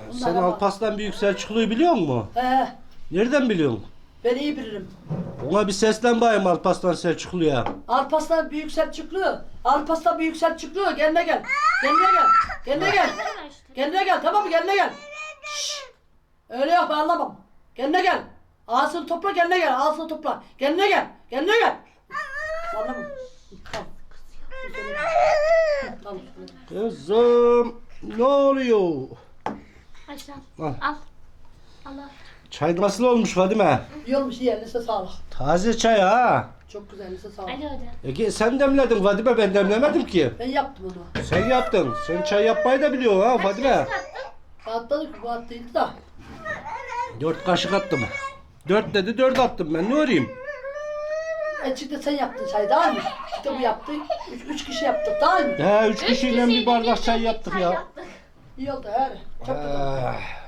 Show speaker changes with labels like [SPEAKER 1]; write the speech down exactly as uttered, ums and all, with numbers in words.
[SPEAKER 1] Sen Alparslan Büyük Selçuklu'yu biliyor musun?
[SPEAKER 2] He,
[SPEAKER 1] Nereden biliyorsun?
[SPEAKER 2] ben iyi bilirim.
[SPEAKER 1] Ona bir seslen bayım Alparslan Selçuklu'ya.
[SPEAKER 2] Alparslan Büyük Selçuklu. Alparslan Büyük Selçuklu. Kendine gel. Kendine gel. Kendine gel. Kendine gel. Tamam mı? Kendine gel. Şşş. Öyle yok, ben anlamam. Kendine gel. Ağzını topla, kendine gel. Ağzını topla. Kendine gel. Kendine gel. Anlamam. Tamam. Tamam.
[SPEAKER 1] Kızım ne oluyor?
[SPEAKER 3] Başla.
[SPEAKER 1] Al.
[SPEAKER 3] Al. Allah.
[SPEAKER 1] Çay nasıl olmuş Fadime?
[SPEAKER 2] İyi olmuş, iyi. Elinize sağlık.
[SPEAKER 1] Taze çay ha.
[SPEAKER 2] Çok güzel, elinize sağlık.
[SPEAKER 3] Hadi hadi.
[SPEAKER 1] Ege sen demledin Fadime, ben demlemedim ki.
[SPEAKER 2] Ben yaptım onu.
[SPEAKER 1] Sen yaptın. Sen çay yapmayı da biliyorsun ha Fadime.
[SPEAKER 2] Atladık, bu attıydı da.
[SPEAKER 1] Dört kaşık attım. Dört dedi, dört attım ben, ne öreyim?
[SPEAKER 2] E çıktı, sen yaptın çay, değil mi? Çıktı bu yaptı. Üç, üç kişi yaptık, değil mi?
[SPEAKER 1] He, üç kişiyle bir bardak çay yaptık ya.
[SPEAKER 3] yaptık.
[SPEAKER 2] İyi oldu, her. Çok güzel.
[SPEAKER 1] Ah.